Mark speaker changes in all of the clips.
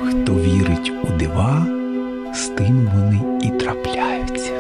Speaker 1: Хто вірить у дива, з тим вони і трапляються.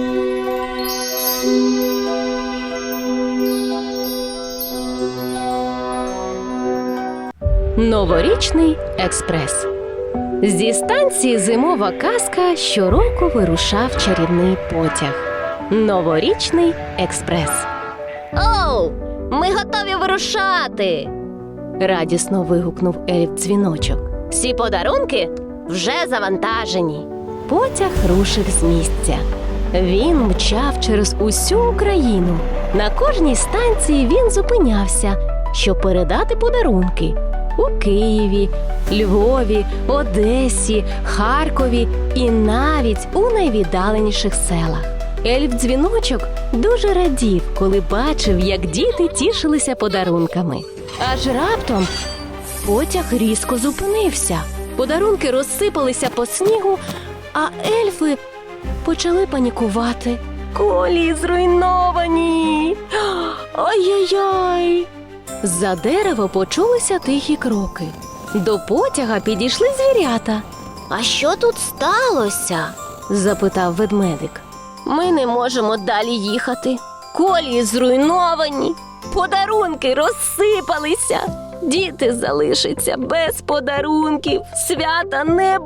Speaker 2: Новорічний експрес. Зі станції «Зимова казка» щороку вирушав чарівний потяг. Новорічний експрес. Оу! Ми готові вирушати! Радісно вигукнув Ельф-дзвіночок. Всі подарунки вже завантажені. Потяг рушив з місця. Він мчав через усю Україну. На кожній станції він зупинявся, щоб передати подарунки. У Києві, Львові, Одесі, Харкові і навіть у найвіддаленіших селах. Ельф-дзвіночок дуже радів, коли бачив, як діти тішилися подарунками. Аж раптом потяг різко зупинився. Подарунки розсипалися по снігу, а ельфи почали панікувати. Колії зруйновані! Ай-яй-яй! З-за дерева почулися тихі кроки. До потяга підійшли звірята. «А що тут сталося?» – запитав ведмедик. «Ми не можемо далі їхати. Колії зруйновані, подарунки розсипалися. Діти залишаться без подарунків. Свята не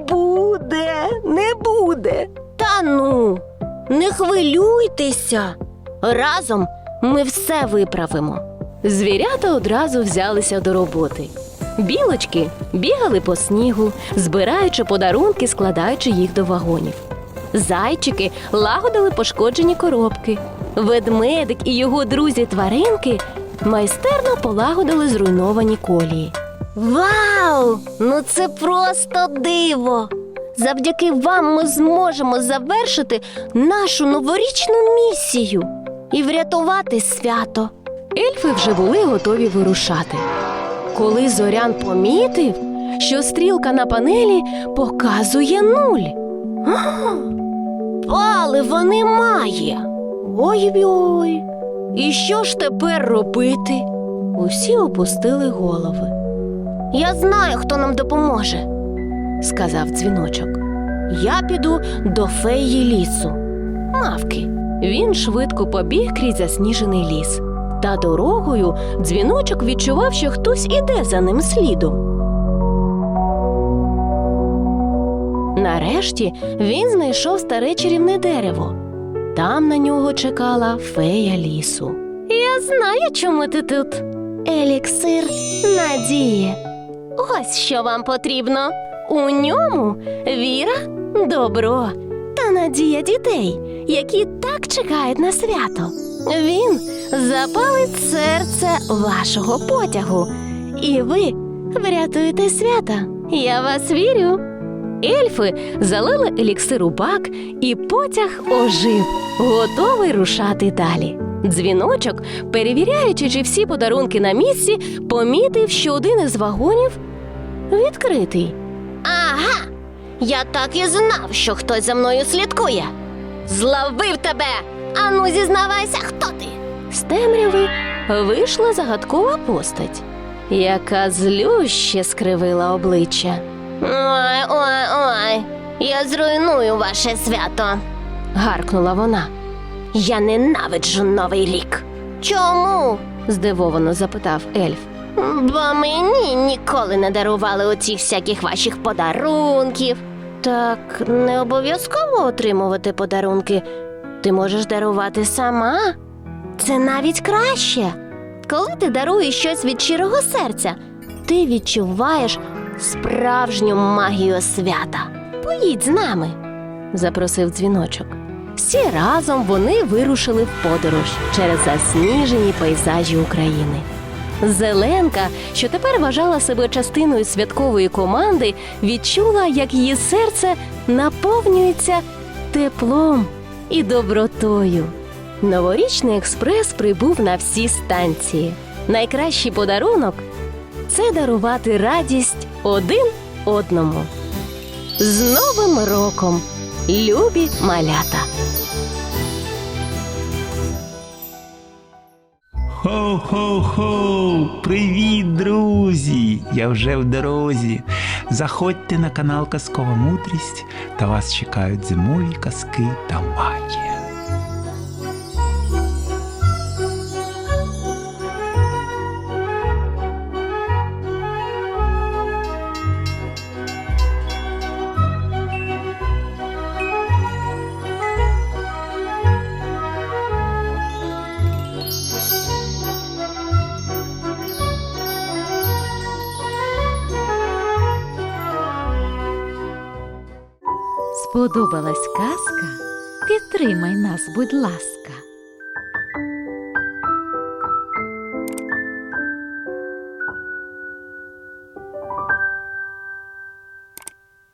Speaker 2: буде. Та ну, не хвилюйтеся. Разом ми все виправимо». Звірята одразу взялися до роботи. Білочки бігали по снігу, збираючи подарунки, складаючи їх до вагонів. Зайчики лагодили пошкоджені коробки. Ведмедик і його друзі-тваринки майстерно полагодили зруйновані колії. Вау! Ну це просто диво! Завдяки вам ми зможемо завершити нашу новорічну місію і врятувати свято. Ельфи вже були готові вирушати. Коли Зорян помітив, що стрілка на панелі показує 0. Палива немає! Ой-ой! І що ж тепер робити? Усі опустили голови. «Я знаю, хто нам допоможе», – сказав дзвіночок. «Я піду до феї лісу, Мавки». Він швидко побіг крізь засніжений ліс. Та дорогою дзвіночок відчував, що хтось іде за ним слідом. Нарешті він знайшов старе чарівне дерево. Там на нього чекала фея лісу. «Я знаю, чому ти тут. Еліксир надії. Ось що вам потрібно. У ньому віра, добро та надія дітей, які так чекають на свято. Він запалить серце вашого потягу, і ви врятуєте свята. Я вас вірю». Ельфи залили еліксир у бак, і потяг ожив, готовий рушати далі. Дзвіночок, перевіряючи, чи всі подарунки на місці, помітив, що один із вагонів відкритий. «Ага! Я так і знав, що хтось за мною слідкує! Зловив тебе! Ану, зізнавайся, хто ти?» З темряви вийшла загадкова постать, яка злюще скривила обличчя. «Ой, я зруйную ваше свято!» – гаркнула вона. «Я ненавиджу Новий рік!» «Чому?» – здивовано запитав ельф. «Бо мені ніколи не дарували оцих всяких ваших подарунків». «Так не обов'язково отримувати подарунки. Ти можеш дарувати сама. Це навіть краще. Коли ти даруєш щось від щирого серця, ти відчуваєш справжню магію свята. Поїдь з нами», – запросив дзвіночок. Всі разом вони вирушили в подорож через засніжені пейзажі України. Зеленка, що тепер вважала себе частиною святкової команди, відчула, як її серце наповнюється теплом і добротою. Новорічний експрес прибув на всі станції. Найкращий подарунок – це дарувати радість один одному. З Новим роком, любі малята!
Speaker 1: Хо-хо-хо! Привіт, друзі! Я вже в дорозі. Заходьте на канал Казкова мудрість, та вас чекають зимові казки та магія.
Speaker 3: Сподобалась казка? Підтримай нас, будь ласка.